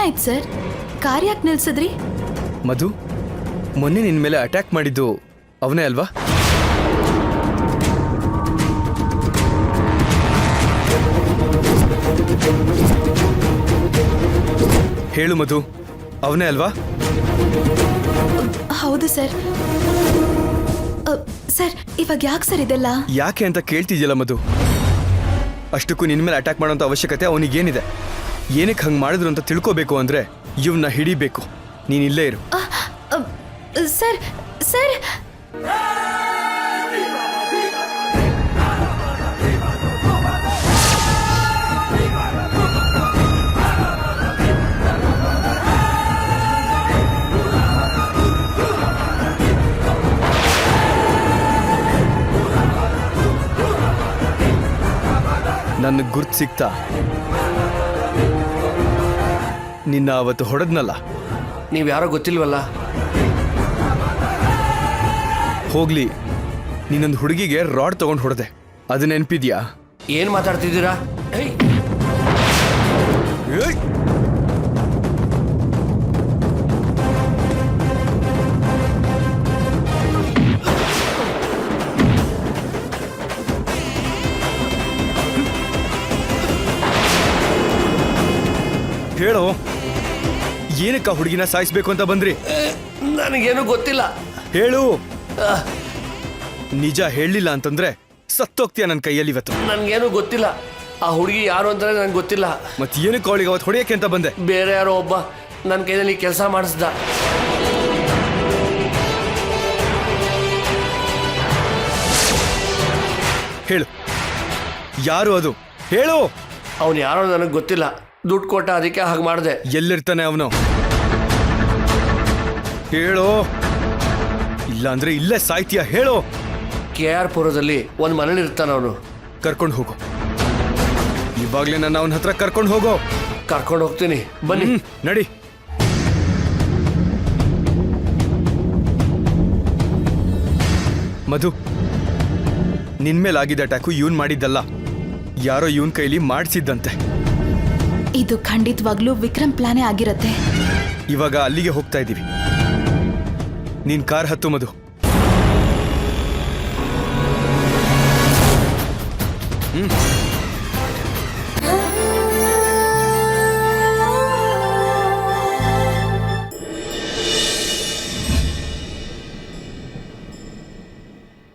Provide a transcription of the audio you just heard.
ಏನಾಯ್ತು sir? Car ಯಾಕೆ ನಿಲ್ಸಿದ್ರಿ? ಮಧು, ಮೊನ್ನೆ ನಿನ್ನ ಮೇಲೆ ಅಟ್ಯಾಕ್ ಮಾಡಿದ್ದು ಅವನೇ ಅಲ್ವಾ? ಹೇಳು ಮಧು, ಅವನೇ ಅಲ್ವಾ? ಹೌದು ಸರ್. ಸರ್, ಇವಾಗ ಯಾಕೆ ಸರ್ ಇದೆಲ್ಲ? ಯಾಕೆ ಅಂತ ಕೇಳ್ತಿದ್ಯಲ್ಲ ಮಧು. ಅಷ್ಟಕ್ಕೂ ನಿನ್ನ ಮೇಲೆ ಅಟ್ಯಾಕ್ ಮಾಡೋಂಥ ಅವಶ್ಯಕತೆ ಅವನಿಗೇನಿದೆ? ಏನಕ್ಕೆ ಹಂಗೆ ಮಾಡಿದ್ರು ಅಂತ ತಿಳ್ಕೋಬೇಕು ಅಂದರೆ ಇವನ್ನ ಹಿಡಿಬೇಕು. ನೀನು ಇಲ್ಲೇ ಇರು. ಸರ್ ಸರ್ ನನಗೆ ಗುರ್ತು ಸಿಗ್ತಾ? ನಿನ್ನ ಅವತ್ತು ಹೊಡೆದ್ನಲ್ಲ. ನೀವು ಯಾರೋ ಗೊತ್ತಿಲ್ವಲ್ಲ. ಹೋಗ್ಲಿ, ನೀನೊಂದು ಹುಡುಗಿಗೆ ರಾಡ್ ತಗೊಂಡು ಹೊಡೆದೆ, ಅದು ನೆನಪಿದ್ಯಾ? ಏನು ಮಾತಾಡ್ತಿದ್ದೀರಾ? ಹೇಳೋ, ಏನಕ್ಕ ಹುಡುಗಿನ ಸಾಯಿಸ್ಬೇಕು ಅಂತ ಬಂದ್ರಿ? ನನಗೇನು ಗೊತ್ತಿಲ್ಲ. ಹೇಳು. ನಿಜ ಹೇಳಲಿಲ್ಲ ಅಂತಂದ್ರೆ ಸತ್ತೋಗ್ತೀಯ ನನ್ನ ಕೈಯಲ್ಲಿ ಇವತ್ತು. ನನಗೇನು ಗೊತ್ತಿಲ್ಲ. ಆ ಹುಡುಗಿ ಯಾರು ಅಂತಾನೆ ನನಗೆ ಗೊತ್ತಿಲ್ಲ. ಮತ್ತೆ ಏನಕ್ಕೆ ಅವಳಿಗೆ ಅವತ್ತು ಹೊಡೆಯಕ್ಕೆ ಅಂತ ಬಂದೆ? ಬೇರೆ ಯಾರೋ ಒಬ್ಬ ನನ್ನ ಕೈಯಲ್ಲಿ ಕೆಲಸ ಮಾಡಿಸ್ದ. ಹೇಳು, ಯಾರು ಅದು? ಹೇಳು. ಅವನು ಯಾರೋ ನನಗೆ ಗೊತ್ತಿಲ್ಲ. ದುಡ್ಡು ಕೊಟ್ಟ, ಅದಕ್ಕೆ ಹಾಗೆ ಮಾಡಿದೆ. ಎಲ್ಲಿರ್ತಾನೆ ಅವನು? ಹೇಳೋ, ಇಲ್ಲ ಅಂದ್ರೆ ಇಲ್ಲೇ ಸಾಯ್ತೀಯ. ಹೇಳೋ. KR ಪುರದಲ್ಲಿ ಒಂದು ಮನೇಲಿ ಇರ್ತಾನ ಅವನು. ಕರ್ಕೊಂಡು ಹೋಗು. ಇವಾಗ್ಲೇ ನನ್ನ ಅವನ ಹತ್ರ ಕರ್ಕೊಂಡು ಹೋಗೋ. ಕರ್ಕೊಂಡು ಹೋಗ್ತೀನಿ, ಬನ್ನಿ. ನಡಿ. ಮಧು, ನಿನ್ಮೇಲಾಗಿದ್ದ ಅಟ್ಯಾಕು ಇವನ್ ಮಾಡಿದ್ದಲ್ಲ, ಯಾರೋ ಇವನ್ ಕೈಲಿ ಮಾಡಿಸಿದ್ದಂತೆ. ಇದು ಖಂಡಿತವಾಗ್ಲೂ ವಿಕ್ರಮ್ ಪ್ಲಾನೇ ಆಗಿರತ್ತೆ. ಇವಾಗ ಅಲ್ಲಿಗೆ ಹೋಗ್ತಾ ಇದ್ದೀವಿ. ನೀನ್ ಕಾರ್ ಹತ್ತು ಮಧು. ಹ್ಮ್